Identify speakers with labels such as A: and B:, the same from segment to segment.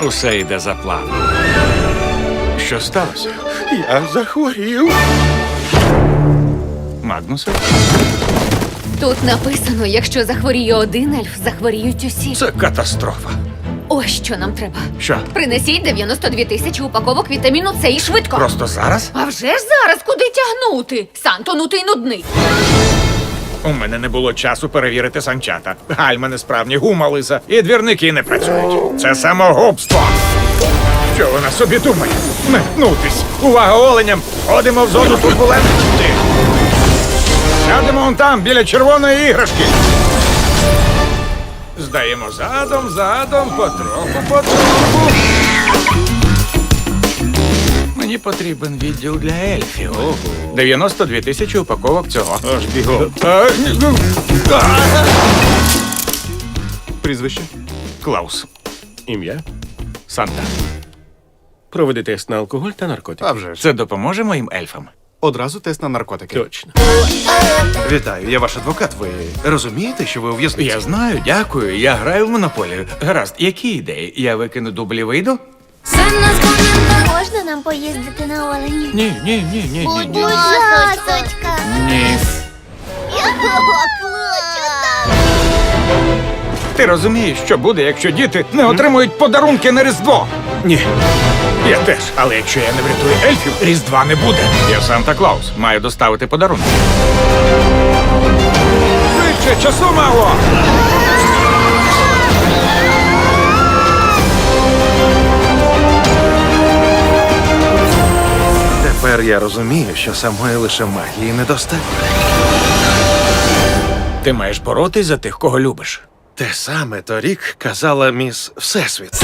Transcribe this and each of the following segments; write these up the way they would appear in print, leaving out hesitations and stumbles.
A: Усе йде за планом. Що сталося?
B: Я захворів.
A: Магнусе?
C: Тут написано, якщо захворіє один ельф, захворіють усі.
A: Це катастрофа.
C: Ось що нам треба.
A: Що?
C: Принесіть 92 тисячі упаковок вітаміну С і швидко.
A: Просто зараз?
C: А вже ж зараз куди тягнути? Санто, ну ти нудний.
A: У мене не було часу перевірити санчата. Гальма несправні, гума лиса і двірники не працюють. Це самогубство. Що вона собі думає? Метнутись. Увага оленям! Ходимо в зону турбулентності. Сядемо вон там, біля червоної іграшки. Здаємо задом, потроху. Мені потрібен відділ для ельфів. 92 тисячі упаковок цього.
B: Аж бігом. Прізвище?
A: Клаус.
B: Ім'я?
A: Санта.
B: Проведи тест на алкоголь та наркотики.
D: А вже ж.
A: Це допоможе моїм ельфам?
D: Одразу тест на наркотики.
B: Точно.
D: Вітаю, я ваш адвокат. Ви розумієте, що ви у в'язниці?
A: Я знаю, дякую. Я граю в монополію. Гаразд, які ідеї? Я викину дублі, вийду?
E: Можна нам поїздити на олені?
A: Ні.
E: Будь ласочка.
A: Ні.
E: Клочу.
A: Ти розумієш, що буде, якщо діти не отримують подарунки на Різдво?
B: Ні.
A: Я теж. Але якщо я не врятую ельфів, Різдва не буде. Я Санта-Клаус. Маю доставити подарунки. Швидше, часу мало!
D: Тепер я розумію, що самої лише магії недостатньо.
A: Ти маєш боротись за тих, кого любиш.
D: Те саме торік казала міс Всесвіт.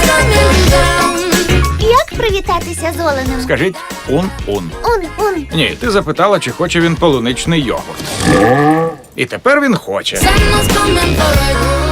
E: Як привітатися з оленем?
A: Скажіть ун-ун.
E: Ун.
A: Ні, ти запитала, чи хоче він полуничний йогурт. І тепер він хоче.
F: Santa's coming for a